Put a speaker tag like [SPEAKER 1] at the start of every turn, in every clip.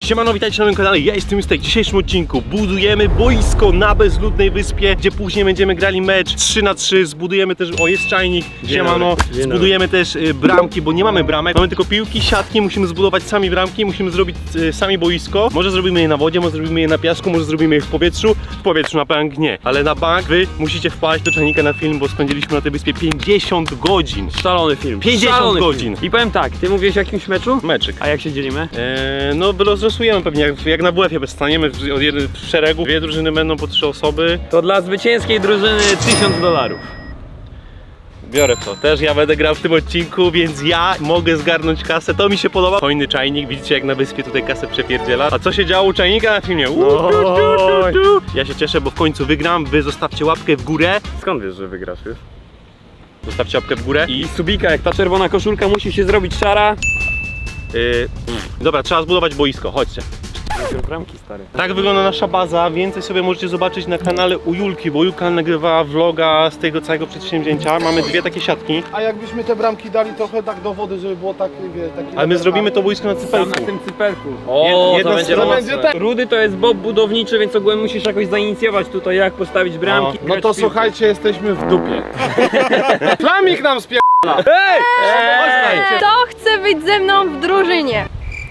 [SPEAKER 1] Siemano, witajcie na moim kanale, ja jestem Justek. W dzisiejszym odcinku budujemy boisko na bezludnej wyspie, gdzie później będziemy grali mecz 3-3, zbudujemy też, o jest czajnik, siemano, zbudujemy też bramki, bo nie mamy bramek, mamy tylko piłki, siatki, musimy zbudować sami bramki, musimy zrobić sami boisko. Może zrobimy je na wodzie, może zrobimy je na piasku, może zrobimy je w powietrzu na bank nie, ale na bank wy musicie wpaść do czajnika na film, bo spędziliśmy na tej wyspie 50 godzin.
[SPEAKER 2] Szalony film.
[SPEAKER 1] 50
[SPEAKER 2] Szalony
[SPEAKER 1] godzin.
[SPEAKER 2] Film. I powiem tak, ty mówiłeś o jakimś meczu?
[SPEAKER 1] Meczyk.
[SPEAKER 2] A jak się dzielimy?
[SPEAKER 1] No rozlosujemy pewnie, jak na WF-ie, staniemy od jednej w szeregu, dwie drużyny będą po 3 osoby.
[SPEAKER 2] To dla zwycięskiej drużyny $1000.
[SPEAKER 1] Biorę to, też ja będę grał w tym odcinku, więc ja mogę zgarnąć kasę, to mi się podoba. Hojny czajnik, widzicie jak na wyspie tutaj kasę przepierdziela. A co się działo u czajnika na filmie? Ja się cieszę, bo w końcu wygram, wy zostawcie łapkę w górę.
[SPEAKER 2] Skąd wiesz, że wygrasz już?
[SPEAKER 1] Zostawcie łapkę w górę
[SPEAKER 2] I subika, jak ta czerwona koszulka musi się zrobić szara.
[SPEAKER 1] Dobra, trzeba zbudować boisko, chodźcie.
[SPEAKER 2] Bramki, stary.
[SPEAKER 1] Tak wygląda nasza baza, więcej sobie możecie zobaczyć na kanale u Julki, bo Julka nagrywała vloga z tego całego przedsięwzięcia. Mamy dwie takie siatki.
[SPEAKER 3] A jakbyśmy te bramki dali trochę tak do wody, żeby było tak, taki...
[SPEAKER 1] Ale my zrobimy to boisko na
[SPEAKER 2] Tam
[SPEAKER 1] cypelku.
[SPEAKER 2] na tym cypelku. O,
[SPEAKER 1] Jedna
[SPEAKER 2] to będzie
[SPEAKER 1] strona
[SPEAKER 2] mocne.
[SPEAKER 3] będzie tak.
[SPEAKER 2] Rudy to jest bob budowniczy, więc ogólnie musisz jakoś zainicjować tutaj, jak postawić bramki.
[SPEAKER 3] No to słuchajcie, jesteśmy w dupie. Flamik nam spie...
[SPEAKER 2] Ej!
[SPEAKER 4] Kto chce być ze mną w drużynie?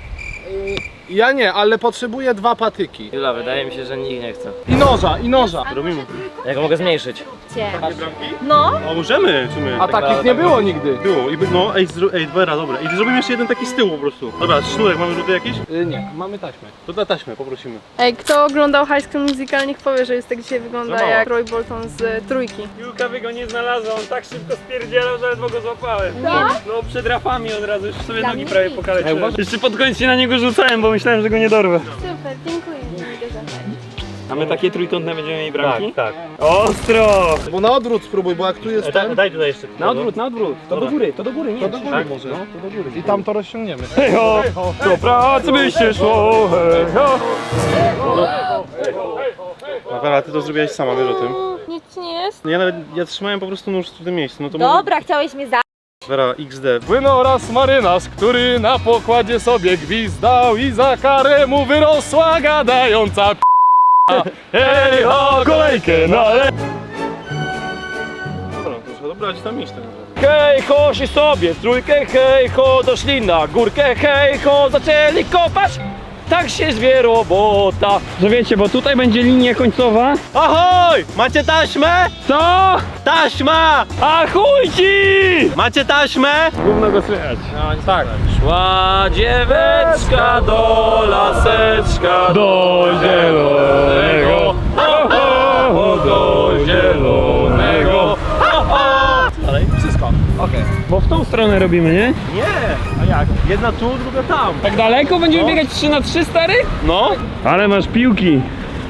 [SPEAKER 3] Ja nie, ale potrzebuję 2 patyki.
[SPEAKER 5] Jula, wydaje mi się, że nikt nie chce.
[SPEAKER 3] I noża, i noża.
[SPEAKER 1] Robimy.
[SPEAKER 5] Ja go mogę zmniejszyć.
[SPEAKER 4] No,
[SPEAKER 1] O, możemy w sumie.
[SPEAKER 3] A takich nie było nigdy.
[SPEAKER 1] Było i no, dobra, dobra. I zrobimy jeszcze jeden taki z tyłu po prostu. Dobra, sznurek, mamy rzuty jakieś?
[SPEAKER 3] Nie, mamy taśmę.
[SPEAKER 1] To na taśmę poprosimy.
[SPEAKER 4] ej, kto oglądał High School Musical, niech powie, że jest tak dzisiaj wygląda
[SPEAKER 1] Za mało.
[SPEAKER 4] jak Roy Bolton z Trójki.
[SPEAKER 2] Julka by go nie znalazła, on tak szybko spierdzielał, że ledwo go złapałem.
[SPEAKER 4] Tak?
[SPEAKER 2] No przed rafami od razu, już sobie
[SPEAKER 4] Dla
[SPEAKER 2] nogi
[SPEAKER 4] mnie
[SPEAKER 2] prawie
[SPEAKER 4] nie.
[SPEAKER 2] pokaleczyłem. Jeszcze pod koniec się na niego rzucałem, bo myślałem, że go nie dorwę.
[SPEAKER 4] Super, dziękuję.
[SPEAKER 2] A my takie trójkątne będziemy mieli bramki?
[SPEAKER 1] Tak.
[SPEAKER 2] Ostro!
[SPEAKER 3] Bo na odwrót spróbuj, bo jak tu jest ten,
[SPEAKER 1] Daj tutaj jeszcze.
[SPEAKER 2] Na odwrót, na odwrót. To do góry, nie.
[SPEAKER 3] to do góry może.
[SPEAKER 2] To do góry.
[SPEAKER 3] I tam to rozciągniemy.
[SPEAKER 2] Hej ho, do pracy byście szło, hej ho.
[SPEAKER 1] Dobra, ty to zrobiłaś sama, wiesz o tym.
[SPEAKER 4] Nic nie jest.
[SPEAKER 1] Ja trzymałem po prostu nóż w tym miejscu, no to
[SPEAKER 6] Dobra, chciałeś mnie za...
[SPEAKER 1] Vera, XD.
[SPEAKER 3] Płynął raz marynarz, który na pokładzie sobie gwizdał i za karę mu wyrosła gadająca
[SPEAKER 2] Hej ho, kolejkę na le...
[SPEAKER 1] Dobra, to trzeba dobrać tam iść tak naprawdę.
[SPEAKER 2] Hej ho, się sobie w trójkę, hej ho, doszli na górkę, hej ho, zaczęli kopać. Tak się zwie robota. Że wiecie, bo tutaj będzie linia końcowa.
[SPEAKER 1] Ahoj! Macie taśmę?
[SPEAKER 2] Co?
[SPEAKER 1] Taśma!
[SPEAKER 2] A chuj ci!
[SPEAKER 1] Macie taśmę?
[SPEAKER 2] Gówno go słychać. No tak. Szła dzieweczka do laseczka, do zielonego. Ho, ho, ho, do zielonego. Ho, ho.
[SPEAKER 1] Ale wszystko.
[SPEAKER 3] Okej.
[SPEAKER 2] Bo w tą stronę robimy, nie?
[SPEAKER 1] Nie! A jak? Jedna tu, druga tam.
[SPEAKER 2] Tak daleko będziemy biegać 3-3, stary?
[SPEAKER 1] No?
[SPEAKER 2] Ale masz piłki.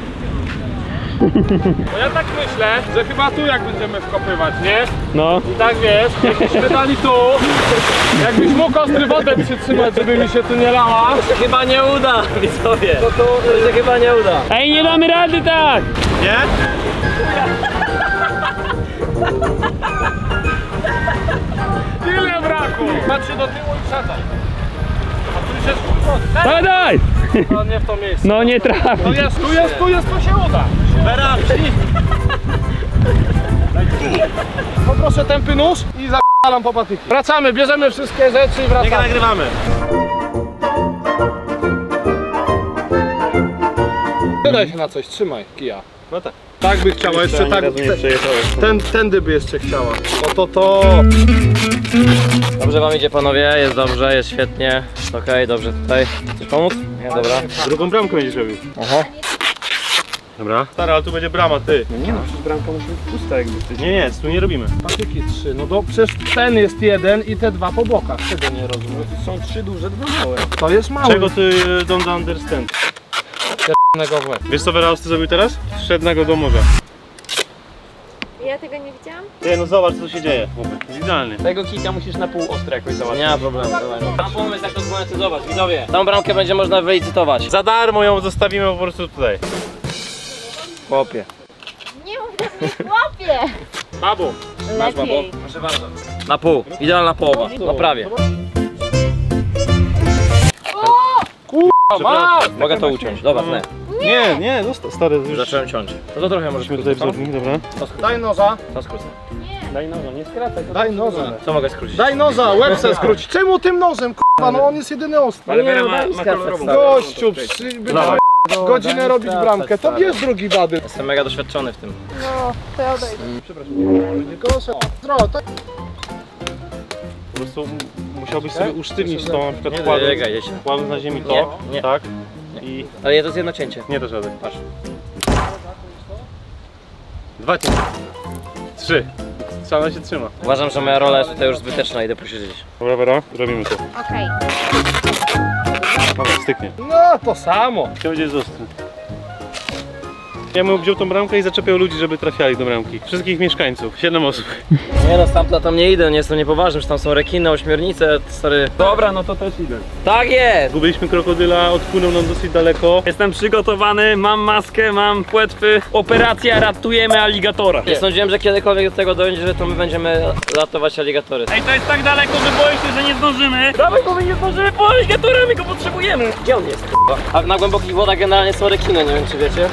[SPEAKER 3] Bo ja tak myślę, że chyba tu jak będziemy wkopywać, nie?
[SPEAKER 2] No.
[SPEAKER 3] I tak wiesz, jakbyśmy dali tu, jakbyś mógł ostry wodę przytrzymać, żeby mi się tu nie lała.
[SPEAKER 5] To się chyba nie uda, widzowie. To się chyba nie uda.
[SPEAKER 2] Ej, nie damy rady tak!
[SPEAKER 1] Nie?
[SPEAKER 3] Tyle braku! Patrz się do tyłu i wsadzaj. A tu już jest kurwa.
[SPEAKER 2] Daj, daj!
[SPEAKER 3] No nie w to miejsce.
[SPEAKER 2] No nie trafi.
[SPEAKER 3] Tu jest, to się uda.
[SPEAKER 1] Vera, przyjdź!
[SPEAKER 3] Poproszę tępy nóż i zapalam po patyki. Wracamy, bierzemy wszystkie rzeczy i
[SPEAKER 1] Nie
[SPEAKER 3] wracamy.
[SPEAKER 1] nagrywamy.
[SPEAKER 3] Wydaj się na coś, trzymaj kija.
[SPEAKER 1] No tak.
[SPEAKER 3] Tak by chciała, jeszcze tak. Tędy by jeszcze chciała. To.
[SPEAKER 5] Dobrze wam idzie, panowie, jest dobrze, jest świetnie. Okej, dobrze tutaj. Chcesz pomóc? Nie, dobra.
[SPEAKER 1] Drugą bramkę będziesz robił.
[SPEAKER 5] Aha.
[SPEAKER 1] Dobra. Stary, ale tu będzie brama, ty.
[SPEAKER 2] Nie no, przecież bramka musi być pusta jakby.
[SPEAKER 1] Nie, tu nie robimy.
[SPEAKER 3] Patyki 3, no to przecież ten jest jeden i te 2 po bokach. Tego nie rozumiem.
[SPEAKER 2] Są 3 duże, 2 małe.
[SPEAKER 3] To jest mały.
[SPEAKER 1] Czego ty don't understand?
[SPEAKER 3] w łeb.
[SPEAKER 1] Wiesz co Vera ty zrobił teraz? Wszedł na go do morza.
[SPEAKER 4] Ja tego nie widziałam?
[SPEAKER 1] Ty, no zobacz co się dzieje. Jest idealny.
[SPEAKER 2] Tego kika musisz na pół ostro jakoś załatwić.
[SPEAKER 5] Nie ma problemu, dawaj. Mam pomysł, jak to zmonetyzować, widzowie. Tą bramkę będzie można wylicytować.
[SPEAKER 1] Za darmo ją zostawimy po prostu tutaj.
[SPEAKER 5] Chłopie.
[SPEAKER 4] Nie mów do mnie, chłopie!
[SPEAKER 3] Babu.
[SPEAKER 5] Masz, babo?
[SPEAKER 4] Lepiej.
[SPEAKER 5] Proszę bardzo. Na pół, idealna połowa. No prawie.
[SPEAKER 3] Masz!
[SPEAKER 5] Mogę to uciąć, dobra, nie.
[SPEAKER 1] Nie, zostaw, stary, już
[SPEAKER 5] Zacząłem ciąć. No to trochę możesz
[SPEAKER 1] musimy tutaj wzornik, dobra.
[SPEAKER 3] Daj noża,
[SPEAKER 5] To skrócę.
[SPEAKER 2] Daj noża, nie skracaj.
[SPEAKER 3] daj noża.
[SPEAKER 5] Co mogę skrócić?
[SPEAKER 3] Daj noża, łeb se skróć. Czemu tym nożem, k***a, no on jest jedyny ostry.
[SPEAKER 2] Ale
[SPEAKER 5] nie,
[SPEAKER 2] Wera
[SPEAKER 5] no
[SPEAKER 2] ma,
[SPEAKER 5] daj
[SPEAKER 2] ma
[SPEAKER 5] skracać,
[SPEAKER 2] kolorową.
[SPEAKER 5] stary.
[SPEAKER 3] Gościu,
[SPEAKER 1] Dawaj.
[SPEAKER 3] godzinę robić bramkę, to bierz drugi wady.
[SPEAKER 5] Jestem mega doświadczony w tym.
[SPEAKER 4] No, to ja odejdę.
[SPEAKER 3] Proszę, to
[SPEAKER 1] Po prostu musiałbyś sobie usztywnić to, na przykład
[SPEAKER 5] Nie
[SPEAKER 1] kładąc,
[SPEAKER 5] dobiegaj, jedź.
[SPEAKER 1] kładąc na ziemi to,
[SPEAKER 5] Nie, nie.
[SPEAKER 1] tak?
[SPEAKER 5] Nie.
[SPEAKER 1] I
[SPEAKER 5] Ale ja to jest jedno cięcie.
[SPEAKER 1] nie dasz rady.
[SPEAKER 5] Patrz.
[SPEAKER 1] 2 cięcia. 3. Trzeba się trzyma.
[SPEAKER 5] Uważam, że moja rola jest tutaj już zbyteczna, idę posiedzieć.
[SPEAKER 1] Dobra, Wera, robimy to.
[SPEAKER 4] Okej.
[SPEAKER 1] Dobra, styknie.
[SPEAKER 3] no to samo.
[SPEAKER 1] Chciał będzie ostry. Ja bym wziął tą bramkę i zaczepiał ludzi, żeby trafiali do bramki. Wszystkich mieszkańców, 7 osób.
[SPEAKER 5] Nie no, stamtąd tam nie idę, nie jestem niepoważny, że tam są rekiny, ośmiornice, stary.
[SPEAKER 2] Dobra, no to też idę.
[SPEAKER 5] Tak jest!
[SPEAKER 1] Zgubiliśmy krokodyla, odpłynął nam dosyć daleko.
[SPEAKER 2] Jestem przygotowany, mam maskę, mam płetwy. Operacja ratujemy aligatora.
[SPEAKER 5] Nie sądziłem, że kiedykolwiek do tego dojdzie, że to my będziemy ratować aligatory.
[SPEAKER 2] Ej, to jest tak daleko, że boję się, że nie zdążymy. Dawaj, bo my nie zdążymy po aligatora, my go potrzebujemy.
[SPEAKER 5] Gdzie on jest? A na głębokich wodach generalnie są rekiny, nie wiem czy wiecie.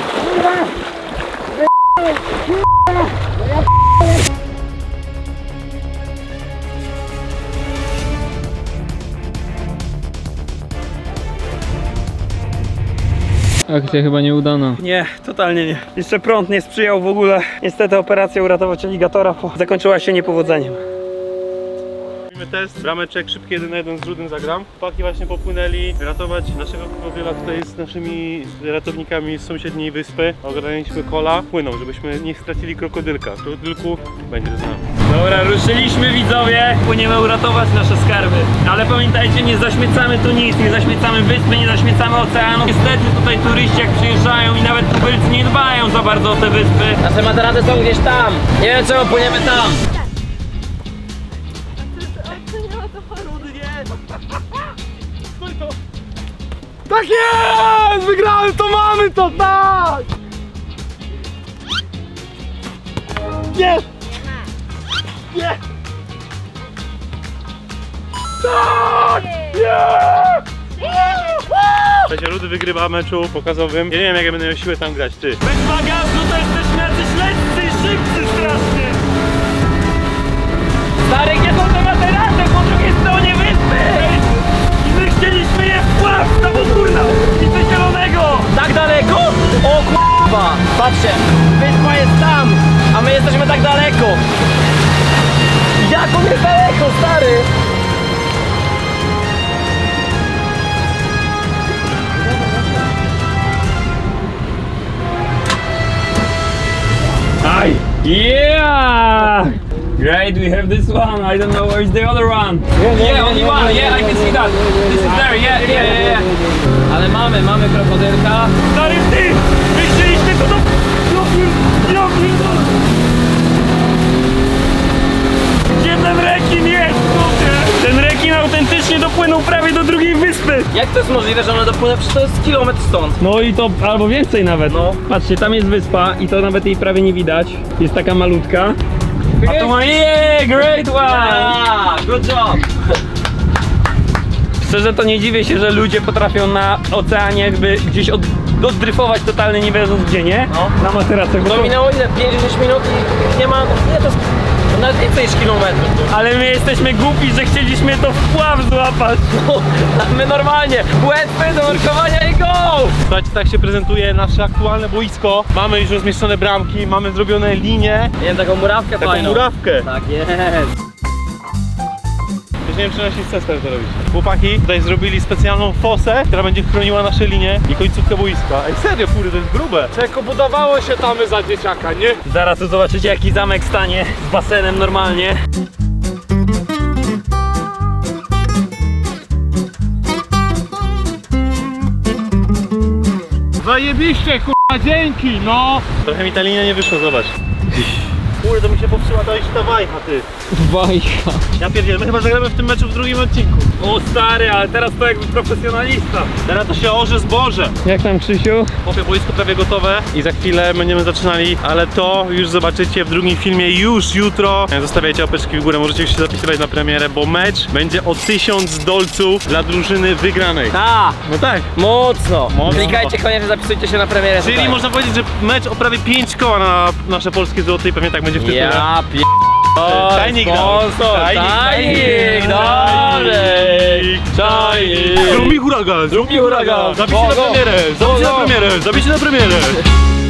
[SPEAKER 2] Akcja chyba nieudana. Nie, totalnie nie. Jeszcze prąd nie sprzyjał w ogóle. Niestety operacja uratować aligatora zakończyła się niepowodzeniem.
[SPEAKER 1] Robimy test, brameczek, szybki 1 na 1 z Rudym zagram. Chłopaki właśnie popłynęli ratować naszego krokodyla tutaj z naszymi ratownikami z sąsiedniej wyspy. Ogarnęliśmy kola, płyną, żebyśmy nie stracili krokodylka. Krokodylku będzie z nami.
[SPEAKER 2] Dobra, ruszyliśmy widzowie. Płyniemy uratować nasze skarby. Ale pamiętajcie, nie zaśmiecamy tu nic, nie zaśmiecamy wyspy, nie zaśmiecamy oceanu. Niestety tutaj turyści jak przyjeżdżają i nawet tubylcy nie dbają za bardzo o te wyspy.
[SPEAKER 5] Nasze materaty są gdzieś tam. Nie wiem czemu płyniemy tam.
[SPEAKER 3] Tak jest! Wygrałem, to mamy to, tak! Jest! Jest! Tak! Jest!
[SPEAKER 1] Słuchajcie, Rudy wygrywa meczu pokazowym. Ja nie wiem jak ja będę miał siłę tam grać, ty.
[SPEAKER 2] Bez bagażu to jesteśmy jacyś lekcy i szybcy strasznie. Stary, gdzie są te materaty po drugiej stronie wyspy? I my chcieliśmy je wpław na podwórna i coś zielonego.
[SPEAKER 5] Tak daleko? O k***a! Patrzcie, wyspa jest tam, a my jesteśmy tak daleko. Jak on jest daleko, stary?
[SPEAKER 2] Hi. Yeah! Great, we have this one. I don't know where is the other one. Yeah, only one. Yeah, I can see that. This is there. Yeah.
[SPEAKER 5] Ale mamy krokodylka.
[SPEAKER 2] Stary, ty! My chcieliśmy to do... Gdzie ten rekin jest, kurde? Ten rekin autentycznie dopłynął prawie do drugiej wyspy.
[SPEAKER 5] Jak to jest możliwe, że one dopłynęły? Przecież to jest kilometr stąd.
[SPEAKER 2] No i to albo więcej nawet.
[SPEAKER 5] No.
[SPEAKER 2] Patrzcie, tam jest wyspa i to nawet jej prawie nie widać. Jest taka malutka. A tu ma... Yeah, great one!
[SPEAKER 5] Ah, good job!
[SPEAKER 2] Szczerze to nie dziwię się, że ludzie potrafią na oceanie jakby gdzieś oddryfować totalnie nie wiedząc gdzie, nie?
[SPEAKER 5] No.
[SPEAKER 2] Na materacach.
[SPEAKER 5] To minęło ile? 5-10 minut i nie ma... Nie, to jest nawet więcej niż kilometr.
[SPEAKER 2] Ale my jesteśmy głupi, że chcieliśmy to wpław złapać.
[SPEAKER 5] No, my normalnie, płetwy do nurkowania i go!
[SPEAKER 1] Słuchajcie, tak się prezentuje nasze aktualne boisko. Mamy już rozmieszczone bramki, mamy zrobione linie.
[SPEAKER 5] Nie wiem, taką murawkę
[SPEAKER 1] Taką
[SPEAKER 5] fajną.
[SPEAKER 1] murawkę.
[SPEAKER 5] Tak jest.
[SPEAKER 1] Już nie wiem, czy nasi chcesz to robić. Chłopaki tutaj zrobili specjalną fosę, która będzie chroniła nasze linie i końcówkę boiska. Ej, serio, kurde, to jest grube.
[SPEAKER 3] Czeko, budowało się tamy za dzieciaka, nie?
[SPEAKER 2] Zaraz tu zobaczycie jaki zamek stanie z basenem normalnie.
[SPEAKER 3] Zajebiście, kurwa, dzięki, no!
[SPEAKER 1] Trochę mi ta linia nie wyszła, zobacz. Kurde, to mi się popsuła ta wajcha, ty.
[SPEAKER 5] Bajka.
[SPEAKER 1] Ja pierdzielę, my chyba zagramy w tym meczu w drugim odcinku.
[SPEAKER 2] O stary, ale teraz to jakby profesjonalista.
[SPEAKER 1] Teraz to się orze zboże.
[SPEAKER 2] Jak tam, Krzysiu?
[SPEAKER 1] Chłopie, boisko prawie gotowe i za chwilę będziemy zaczynali, ale to już zobaczycie w drugim filmie już jutro. Zostawiajcie łapeczki w górę, możecie już się zapisywać na premierę, bo mecz będzie o 1000 dolców dla drużyny wygranej.
[SPEAKER 5] Ta!
[SPEAKER 1] No tak.
[SPEAKER 5] Mocno!
[SPEAKER 1] Mocno.
[SPEAKER 5] Klikajcie koniecznie, zapisujcie się na premierę.
[SPEAKER 1] Czyli
[SPEAKER 5] tutaj.
[SPEAKER 1] można powiedzieć, że mecz o prawie 5 koła na nasze polskie złote i pewnie tak będzie w tytule.
[SPEAKER 5] Ja p...
[SPEAKER 1] Tajnik dał.
[SPEAKER 5] sponsor, tajnik, dobry.
[SPEAKER 1] Zrób mi huragan, zrób mi
[SPEAKER 5] huragan.
[SPEAKER 1] Zabijcie na
[SPEAKER 5] Go, go.
[SPEAKER 1] premierę,
[SPEAKER 5] Go,
[SPEAKER 1] zabijcie na
[SPEAKER 5] go.
[SPEAKER 1] premierę, zabijcie na premierę.